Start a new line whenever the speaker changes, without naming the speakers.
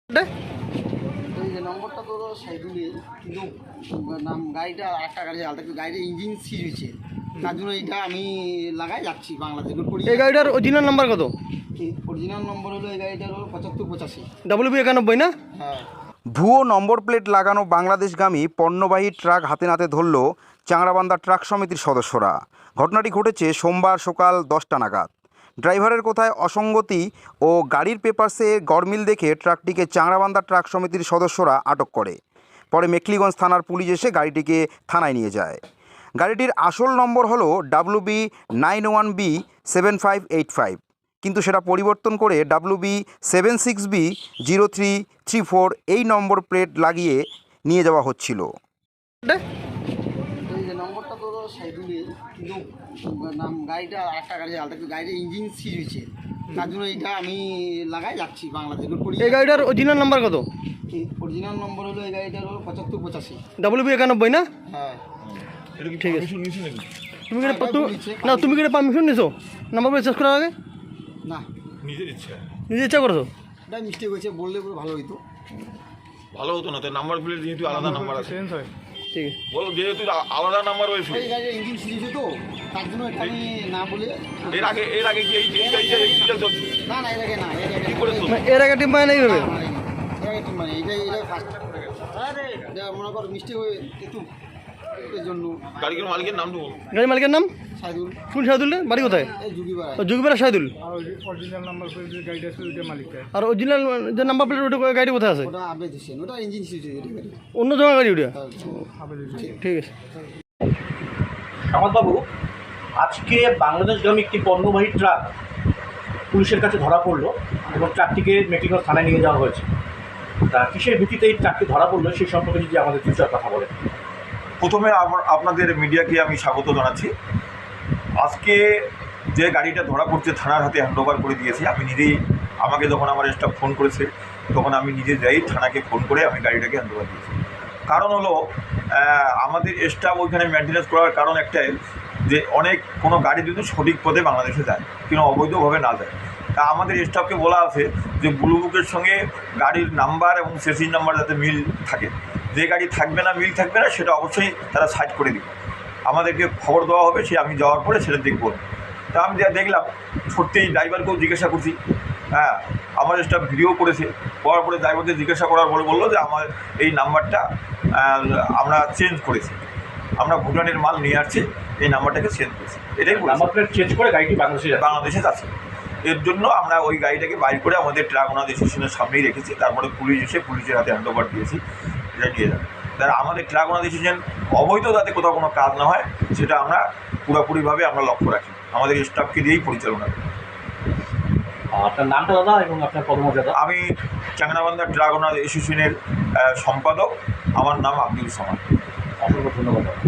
এই যে নম্বরটা তো সাইডুলে, কিন্তু নাম গাড়িটা একটা গাড়ি আলাদা, গাড়ির ইঞ্জিন সিজ হয়েছে, তার জন্য এইটা আমি লাগাই যাচ্ছি বাংলাদেশ।
এই গাড়িটার অরিজিনাল নাম্বার কত?
অরিজিনাল নম্বর হলো এই গাড়িটার হলো 7585
WB91 না?
হ্যাঁ।
ভুয়ো নম্বর প্লেট লাগানো বাংলাদেশগামী পণ্যবাহী ট্রাক হাতে নাতে ধরল চাংড়াবান্ধা ট্রাক সমিতির সদস্যরা। ঘটনাটি ঘটেছে সোমবার সকাল 10টা নাগাদ। ড্রাইভারের কোথায় অসঙ্গতি ও গাড়ির পেপারসে গরমিল দেখে ট্রাকটিকে চাংড়াবান্ধা ট্রাক সমিতির সদস্যরা আটক করে। পরে মেখলিগঞ্জ থানার পুলিশ এসে গাড়িটিকে থানায় নিয়ে যায়। গাড়িটির আসল নম্বর হলো WB91B7585, কিন্তু সেটা পরিবর্তন করে WB76B0334 এই নম্বর প্লেট লাগিয়ে নিয়ে যাওয়া হচ্ছিল।
এই যে নম্বরটা তো সাইডুলে, কিন্তু নাম গাড়িটা একটা গাড়ি আলাদা, গাড়ির ইঞ্জিন সিজ হয়েছে, তার জন্য এইটা আমি লাগাই যাচ্ছি বাংলাদেশ।
এই গাড়িটার অরিজিনাল নাম্বার কত?
অরিজিনাল নম্বর হলো এই গাড়িটার হলো 7585।
WB91 না?
হ্যাঁ।
ঠিক আছে। তুমি কি পারমিশন নিছো নাম্বার প্লেট চেঞ্জ করার আগে?
না,
নিজে ইচ্ছা করছো?
এটা মিস্টেক হয়েছে, বললে পুরো ভালো হইতো।
ভালো হতো না তো, নাম্বার প্লেট যেহেতু আলাদা নাম্বার আছে,
ঠিক আছে।
বলো যেহেতু আলাদা নাম্বার হয়েছে।
এই গাড়ির ইঞ্জিন সিজ হয়েছে তো, তার জন্য এটা আমি না বলে।
এর আগে কি এই গাড়িটা চলছে?
না না, এর আগে না,
কি করে চলছে?
এর আগে টিম মানে এইভাবে
মানে এটা ফার্স্ট এটা মনে করো মিস্টেক হয়ে একটু এর জন্য।
গাড়ির মালিকের নাম দেবো।
গাড়ির মালিকের নাম?
সাইদুল।
কোন সাইদুল? বাড়ি কোথায়?
এই যুগিবার।
যুগিপাড়া সাইদুল।
অরিজিনাল নাম্বার প্লেট যে গাড়িটা আছে ওইটা মালিকটা।
আর অরিজিনাল যে নাম্বার প্লেট ওটা গাড়ি কোথায় আছে?
ওটা আবেদ হোসেন, ওটা ইঞ্জিন সিজ হয়েছে গাড়ি।
অন্য জমা গাড়ি ওটা? ঠিক আছে।
বাবু, আজকে বাংলাদেশগামী একটি পণ্যবাহী ট্রাক পুলিশের কাছে ধরা পড়লো এবং ট্রাকটিকে মেখলিগঞ্জ থানায় নিয়ে যাওয়া হয়েছে। তা কিসের ভিত্তিতে এই ট্রাকটি ধরা পড়লো সেই সম্পর্কে যদি আমাদের কিছু কথা বলেন।
প্রথমে আপনাদের মিডিয়াকে আমি স্বাগত জানাচ্ছি। আজকে যে গাড়িটা ধরা পড়ছে থানার হাতে হ্যান্ডওভার করে দিয়েছি। আমি নিজেই, আমাকে যখন আমার স্টাফ ফোন করেছে তখন আমি নিজে যাই থানাকে ফোন করে আমি গাড়িটাকে হ্যান্ডওভার দিয়েছি। কারণ হলো আমাদের স্টাফ ওইখানে মেনটেন্যান্স করার কারণ একটাই যে কোনো গাড়ি যদি সঠিক পথে বাংলাদেশে যায়, কিন্তু অবৈধভাবে না যায়। তা আমাদের স্টাফকে বলা আছে যে ব্লু বুকের সঙ্গে গাড়ির নাম্বার এবং সেসির নাম্বার যাতে মিল থাকে। যে গাড়ি থাকবে না, মিল থাকবে না, সেটা অবশ্যই তারা সাইড করে দিবে। আমাদেরকে খবর দেওয়া হবে, সে আমি যাওয়ার পরে সেটা দেখব। তা আমি যা দেখলাম, সত্যিই ড্রাইভারকেও জিজ্ঞাসা করছি, হ্যাঁ আমার স্টাফ ভিডিও করেছে। করার পরে ড্রাইভারকে জিজ্ঞাসা করার পরে বললো যে আমার এই নাম্বারটা আমরা চেঞ্জ করেছি, আমরা ভুটানের মাল নিয়ে আসছি, এই নাম্বারটাকে চেঞ্জ করেছি। এটাই
নাম্বার প্লেট চেঞ্জ করে গাড়িটি
বাংলাদেশে যাচ্ছে। এর জন্য আমরা ওই গাড়িটাকে বাইর করে আমাদের ট্রাক ওনাদের স্টেশনের সামনেই রেখেছি। তারপরে পুলিশ এসে পুলিশের হাতে হ্যান্ডওভার দিয়েছি, এটা নিয়ে যাবে। তারা আমাদের ট্রাক ওনাদের স্টেশন অবৈধ যাতে কোথাও কোনো কাজ না হয় সেটা আমরা পুরোপুরিভাবে আমরা লক্ষ্য রাখি, আমাদের স্টাফকে দিয়েই পরিচালনা করি।
আপনার নামটা দাদা এবং আপনার পদমর্যাদা?
আমি চাংড়াবান্ধা ট্রাক ওনার অ্যাসোসিয়েশনের সম্পাদক। আমার নাম আব্দুল সামাদ।
অসংখ্য ধন্যবাদ।